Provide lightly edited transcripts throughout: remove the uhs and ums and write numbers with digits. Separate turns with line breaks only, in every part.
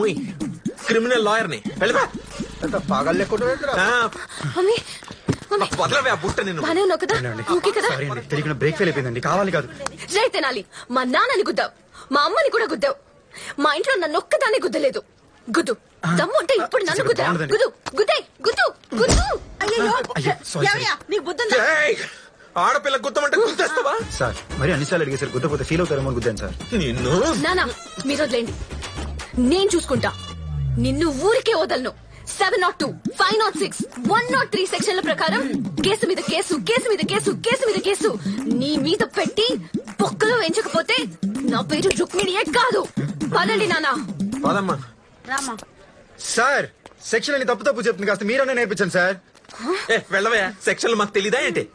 ముయ్ criminal lawyer ని వెళ్ళిపా
పాగాలు లేకుండా
mummy mummy
వదలవే ఆ బుట్ట నిన్ను
బానే ఉన్నావు కదా ఓకే కదా
తెలియకుండా బ్రేక్ ఫెయిల్ అయిపోయిందండి కావాలి కాదు
జై తినాలి మా నాన్నని గుద్దావు మా అమ్మని కూడా గుద్దావు మా ఇంట్లో నన్ను ఒక్కదాన్ని గుద్దలేదు గుద్దు దమ్ము అంటే ఇప్పుడు నన్ను గుద్దా గుద్దు గుద్దే గుద్దు గుద్దు
అయ్యో
నీకు బుద్ధుందా
ఏయ్! ఆడపిల్ల గుద్దమంటే గుద్దేస్తావా
సార్ మరి అన్నిసార్లు అడిగేసారు గుద్దపోతే ఫీల్ అవుతారేమో అని గుద్దాను సార్
నిన్ను
నానా మీరు వదిలేండి నేను చూసుకుంటా నిన్ను ఊరికే వదలను 702, 506, 103 సెక్షన్ల ప్రకారం కేసు మీద కేసు కేసు మీద కేసు కేసు మీద కేసు నీ మీద పెట్టి పొక్కలు వేయించకపోతే నా పేరు రుక్మిణియే కాదు పదండి నానా
పదమ్మా
రామా
సార్ సెక్షన్ అని తప్పు తప్పు చెప్తుంది కాస్త మీరన్నా నేర్పించండి సార్
ఏ వెళ్ళవయ్యా సెక్షన్లు మాకు తెలీదా ఏంటి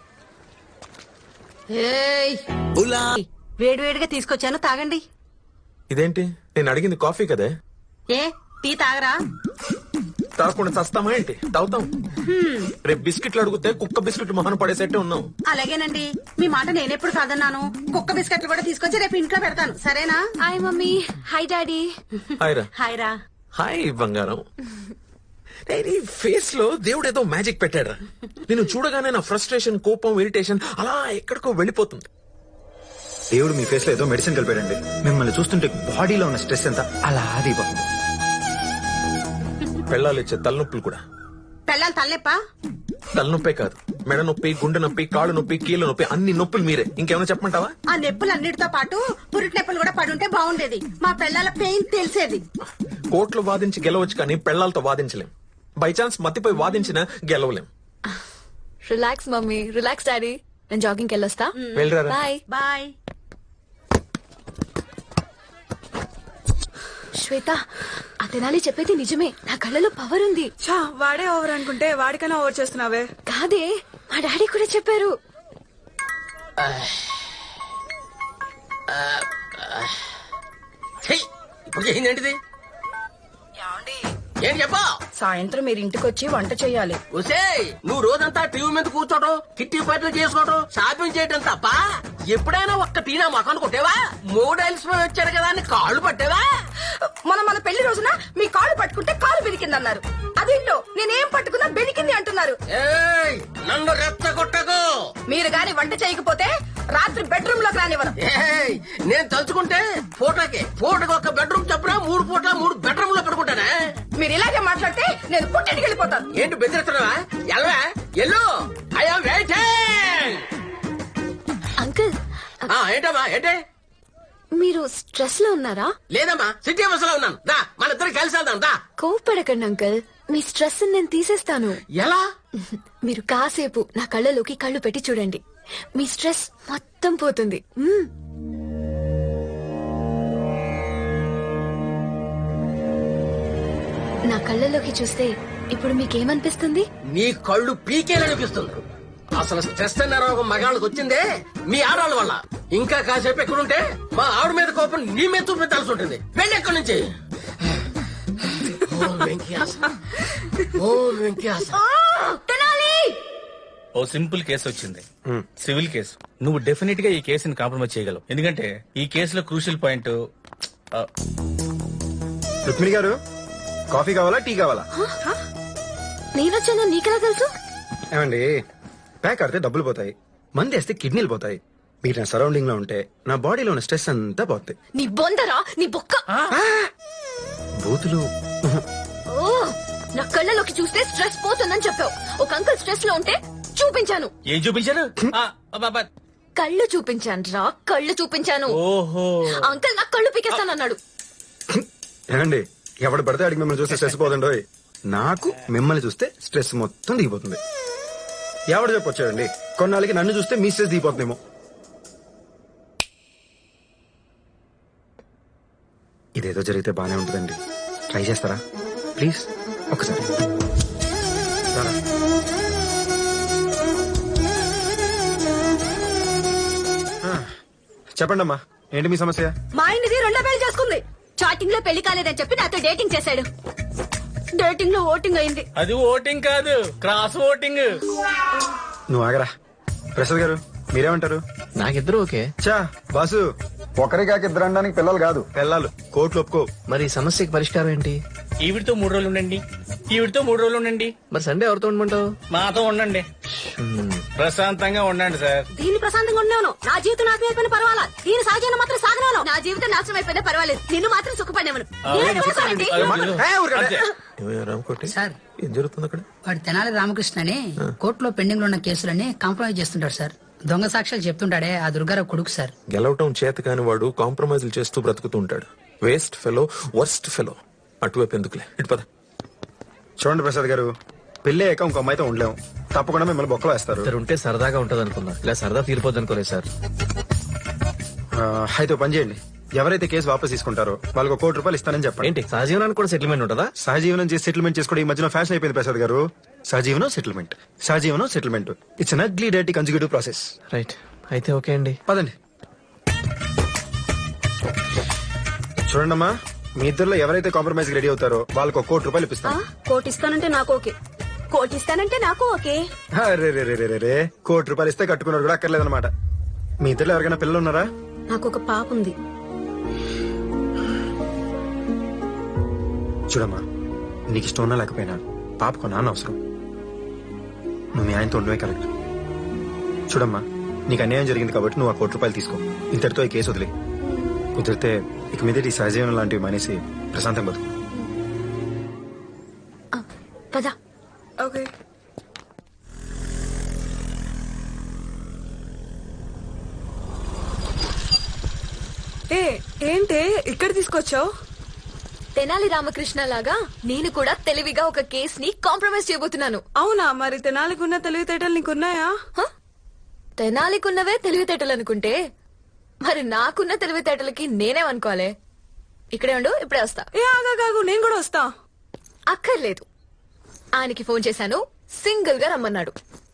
వేడివేడిగా తీసుకొచ్చాను తాగండి.
ఇదేంటి నేను అడిగింది కాఫీ కదే
ఏ టీ తాగరా?
తాగకుండా చస్తామా ఏంటి తాగుతాం రేపు బిస్కెట్లు అడిగితే కుక్క బిస్కెట్లు మొహన పడేసేట్టే ఉన్నాం
అలాగేనండి, మీ మాట నేనెప్పుడు కాదన్నాను. కుక్క బిస్కెట్లు కూడా తీసుకొచ్చి రేపు ఇంట్లో పెడతాను, సరేనా?
Hi mummy. Hi daddy.
Hi రా.
హాయ్ రా.
హాయ్ బంగారం. నీ ఫేస్ లో దేవుడు ఏదో మ్యాజిక్ పెట్టాడు. నేను చూడగానే నా ఫ్రస్ట్రేషన్ కోపం ఇరిటేషన్ అలా ఎక్కడికో వెళ్ళిపోతుంది.
దేవుడు మీ ఫేస్ లో ఏదో మెడిసిన్ కలిపాడండి. మిమ్మల్ని చూస్తుంటే బాడీలో ఉన్న స్ట్రెస్ ఎంత అలా దిగిపోతుంది.
పెళ్ళాలు ఇచ్చే తలనొప్పులు కూడా.
పెళ్ళాలి తలనొప్పా?
తలనొప్పే కాదు, మెడ నొప్పి, గుండె నొప్పి, కాళ్ళు నొప్పి, కీళ్ళ నొప్పి, అన్ని నొప్పులు మీరే. ఇంకేమైనా చెప్పమంటావా?
ఆ నొప్పులు అన్నిటితో పాటు పురిటి నొప్పులు కూడా పడుంటే బాగుండేది. మా పెళ్ళాల పెయిన్ తెలిసేది.
కోర్టులో వాదించి గెలవచ్చు కానీ పెళ్ళాలతో వాదించలేం. బై ఛాన్స్ మత్తిపోయి వాదించినా గెలవలేం.
Relax mummy, relax daddy. నేను జాగింగ్కి వెళ్ళొస్తా.
వెళ్ళరా.
Bye
bye.
శ్వేత, ఆ తెనాలి చెప్పేది నిజమే. నా కళ్ళలో పవర్ ఉంది.
వాడే ఓవర్ అనుకుంటే వాడికైనా ఓవర్ చేస్తున్నావే.
కాదే, మా డాడీ కూడా చెప్పారు.
ఇప్పుడు ఏంటంటిది? ఏంటి చెప్పా?
సాయంత్రం మీరు ఇంటికి వచ్చి వంట చేయాలి.
ఒసే, నువ్వు రోజంతా టీవీ మీద కూర్చోటం, కిట్టి పార్టీలు చేసుకోవటం, షాపింగ్ చేయటం తప్ప ఎప్పుడైనా ఒక్క టీనా మొఖాన్ని కొట్టేవా? మోడల్స్ వచ్చాడు కదా అని కాళ్ళు పట్టేవా?
మన పెళ్లి రోజున మీ కాళ్ళు పట్టుకుంటే కాలు బెనికిందన్నారు. అదేంటో నేనేం పట్టుకున్నా బెనికింది అంటున్నారు.
ఏయ్, నన్ను రెచ్చగొట్టకు.
మీరు గాని వంట చేయకపోతే రాత్రి బెడ్రూమ్ లోకి రానివ్వను.
ఏయ్, నేను తలుచుకుంటే ఫోటోకి ఒక బెడ్రూమ్ చెప్పరా 3 పూట్ల 3 బెడ్రూమ్ లో పెట్టుకుంటానే.
మీరు ఇలాగే మాట్లాడితే నేను పుట్టింటికి వెళ్ళిపోతాను.
ఏంటి బెదిరిస్తున్నావా? ఎల్వా ఎల్లు, ఐఎమ్ వెయిటింగ్.
అంకుల్,
ఏంటమ్మా ఏంటి?
మీరు స్ట్రెస్ లో ఉన్నారా?
లేదమ్మా, సిటీ బస్ లో ఉన్నాను. దా, మన ఇద్దరు కలిసి వెళ్దాం. దా.
కోప్పడకండి అంకుల్, మీ స్ట్రెస్ నేను తీసేస్తాను.
ఎలా?
మీరు కాసేపు నా కళ్ళలోకి కళ్ళు పెట్టి చూడండి, మీ స్ట్రెస్ మొత్తం పోతుంది. నా కళ్ళలోకి చూస్తే ఇప్పుడు మీకేమనిపిస్తుంది?
నీ కళ్ళు పీకేలనిపిస్తుంది. అసలు స్ట్రెస్ అన్న రోగం మగాళ్ళకి వచ్చిందే మీ ఆడవాళ్ళ వల్ల. ఇంకా కాసేపు ఎక్కడుంటే మా ఆవిడ మీద కోపం నీ మీద చూపించాల్సి ఉంటుంది. వెళ్ళి ఎక్కడి నుంచి.
ఓ సింపుల్ కేసు వచ్చింది, సివిల్ కేసు. నువ్వు డెఫినెట్ గా ఈ కేసుని కాంప్రమైజ్ చేయగలవు. ఎందుకంటే ఈ కేసులో క్రూషియల్ పాయింట్.
రుక్మిణి గారు, కాఫీ కావాలా టీ కావాలా?
నేనొచ్చాను నీకెలా తెలుసు?
ఏమండి, ప్యాక్ ఆడితే డబ్బులు పోతాయి, మంది వేస్తే కిడ్నీలు పోతాయి. మీరు నా సరౌండింగ్ లో ఉంటే నా బాడీలో ఉన్న స్ట్రెస్ అంతా పోతాయి.
నీ బొందరా, నీ బొక్క.
బూతులు.
ఓ, నా కళ్ళలోకి చూస్తే స్ట్రెస్ పోతుందని చెప్పావు. ఒక అంకుల్ స్ట్రెస్ లో ఉంటే చూపించాను.
ఏం చూపించారు?
కళ్ళు చూపించాను రా, కళ్ళు చూపించాను.
ఓహో,
అంకుల్ నా కళ్ళు పీకేస్తానన్నాడు.
ఏమండి, ఎవడు పడితే అడిగి మిమ్మల్ని చూస్తే స్ట్రెస్ పోతుండో, నాకు మిమ్మల్ని చూస్తే స్ట్రెస్ మొత్తం దిగిపోతుంది. ఎవడు చెప్పొచ్చాడండి, కొన్నాళ్ళకి నన్ను చూస్తే మీ స్ట్రెస్ దిగిపోతుందేమో. ఇదేదో జరిగితే బానే ఉంటుందండి, ట్రై చేస్తారా ప్లీజ్? ఒకసారి చెప్పండి అమ్మా, ఏంటి మీ సమస్య?
మా ఆయనది 2 పెళ్లి చేసుకుంది.
చాటింగ్ లో పెళ్లి కాలేదని చెప్పి నాతో డేటింగ్ చేశాడు. డేటింగ్ లో ఓటింగ్ అయింది.
అది ఓటింగ్ కాదు, క్రాస్ ఓటింగ్.
నువ్వు ఆగరా. ప్రసాద్ గారు, మీరేమంటారు?
నాకిద్దరు ఓకే.
చా బాసు, ఒకరికాక ఇద్దరు అనడానికి పిల్లలు కాదు పిల్లలు కోట్లు ఒప్పుకో.
మరి ఈ సమస్యకి పరిష్కారం ఏంటి?
ఈవిడితో 3 రోజులు ఉండండి, ఈవిడితో 3 రోజులు ఉండండి,
మరి సండే ఎవరితో ఉండమంటావు?
మాతో ఉండండి. ప్రశాంతంగా ఉండండి సార్.
దీన్ని ప్రశాంతంగా ఉన్నాను. నా జీవితం నాశనం అయిపోయిన పర్వాలా, దీని సహజాన్ని మాత్రం సాగనాను.
నా జీవితం నాశనం అయిపోయినా పర్వాలేదు, నిన్ను మాత్రం సుఖపడేమను.
అంతే.
ఏమయ్యా రామకోటి
సార్
ఏం జరుగుతుంది అక్కడ?
వాడు తెనాలి రామకృష్ణ అని కోర్టులో పెండింగ్ లో ఉన్న కేసులన్నీ కాంప్రమైజ్ చేస్తుంటాడు సార్. దొంగ సాక్ష్యాలు చెప్తుంటాడే ఆ దుర్గారావు కొడుకు సార్.
గెలవటం చేత కాని వాడు కాంప్రమైజ్లు చేస్తూ బ్రతుకుతూ ఉంటాడు. Waste fellow, worst fellow. అటువైపు ఎందుకులే, ఇటు పద.
చూడండి ప్రసాద్ గారు, పెళ్లి అయ్యాక ఇంకో అమ్మాయితో ఉండలేము. తప్పకుండా మిమ్మల్ని బొక్కలో వేస్తారు.
ఇద్దరు ఉంటే సరదాగా ఉంటది అనుకున్నా, ఇలా సరదా తీరిపోద్ది అనుకోలేదు సార్.
అయితే ఓ పని చేయండి, ఎవరైతే కేసు వాపస్ తీసుకుంటారో వాళ్ళకి ₹1,00,00,000 ఇస్తానని చెప్పండి.
ఏంటి సహజీవనానికి కూడా సెటిల్మెంట్ ఉంటుందా?
సహజీవనం చేసి సెటిల్మెంట్ చేసుకోవడం ఈ మధ్యన ఫ్యాషన్ అయిపోయింది ప్రసాద్ గారు. సహజీవనం సెటిల్మెంట్, సహజీవనం సెటిల్మెంట్. ఇట్స్ అన్ అగ్లీ డైటీ కన్సిక్యూటివ్ ప్రాసెస్.
రైట్, అయితే ఓకే అండి.
పదండి. చూడండమ్మా, మీ ఇద్దరులో ఎవరైతే కాంప్రమైజ్ రెడీ అవుతారో వాళ్ళకి ₹1,00,00,000 ఇప్పిస్తాను.
కోటి ఇస్తానంటే నాకు ఓకే.
కోటి ఇస్తానంటే నాకు ఓకే.
రే ₹1,00,00,000 ఇస్తే కట్టుకున్నారు కూడా అక్కర్లేదన్నమాట. మీ ఇద్దరులో ఎవరికైనా పిల్లలు ఉన్నారా?
నాకు ఒక పాప ఉంది.
చూడమ్మా, నీకు ఇష్టం ఉన్నా లేకపోయినా పాపకు నాన్న అవసరం. నువ్వు మీ ఆయనతో ఉండవే కరెక్ట్. చూడమ్మా, నీకు అన్యాయం జరిగింది కాబట్టి నువ్వు ఆ ₹1,00,00,000 తీసుకో. ఇంతటితో ఈ కేసు వదిలే. కుదిరితే ఇక మీద ఈ సహజీవనం లాంటివి మానేసి ప్రశాంతం బతుకు.
పద.
ఓకే. ఏంటే ఇక్కడ తీసుకొచ్చావు?
తెనాలి రామకృష్ణ లాగా నేను కూడా తెలివిగా ఒక కేస్ ని కాంప్రమైజ్ చేయబోతున్నాను.
అవునా? మరి తెనాలికున్న తెలివితేటలు నీకున్నాయా?
హ? తెనాలికున్నవే తెలివితేటలు అనుకుంటే మరి నాకున్న తెలివితేటలకి నేనేమనుకోవాలి? ఇక్కడే ఉండు, ఇప్పుడే వస్తా.
ఏ ఆగాగు, నేను కూడా వస్తా.
అక్కర్లేదు, ఆయనకి ఫోన్ చేశాను, సింగిల్ గా రమ్మన్నాడు.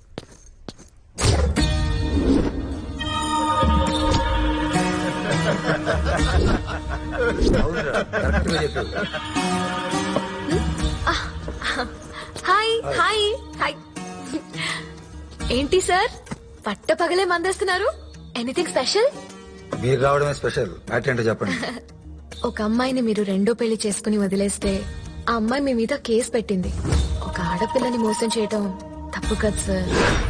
Hi hi hi. ఏంటి సార్ పట్ట పగలే మందేస్తున్నారు? Anything special?
మీరు రావడమే స్పెషల్. ఏంటో చెప్పండి.
ఒక అమ్మాయిని మీరు రెండో పెళ్లి చేసుకుని వదిలేస్తే ఆ అమ్మాయి మీ మీద కేసు పెట్టింది. ఒక ఆడపిల్లని మోసం చేయటం తప్పు కదా సార్.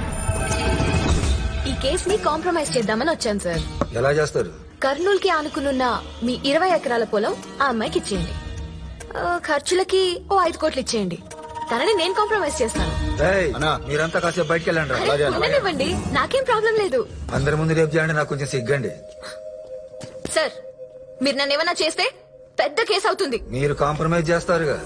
ఈ కేస్ ని కాంప్రమైజ్ చేద్దామని వచ్చాను సార్.
ఎలా చేస్తారు?
కర్నూలు కి ఆనుకునున్న మీ 20 ఎకరాల పొలం ఆ అమ్మాయికి ఇచ్చేయండి. ఖర్చులకి ఓ 5 కోట్లు ఇచ్చేయండి. తనని నేను కాంప్రమైజ్ చేస్తాను.
మీరంతా కాసేపు బయటకు వెళ్ళండి.
అరే, ఉండనివ్వండి, నాకేం ప్రాబ్లం లేదు.
అందరి ముందు రేపు చేయండి, నాకు కొంచెం సిగ్గండి.
సార్, మీరు నన్ను ఏమన్నా చేస్తే పెద్ద కేసు అవుతుంది.
మీరు కాంప్రమైజ్ చేస్తారుగా.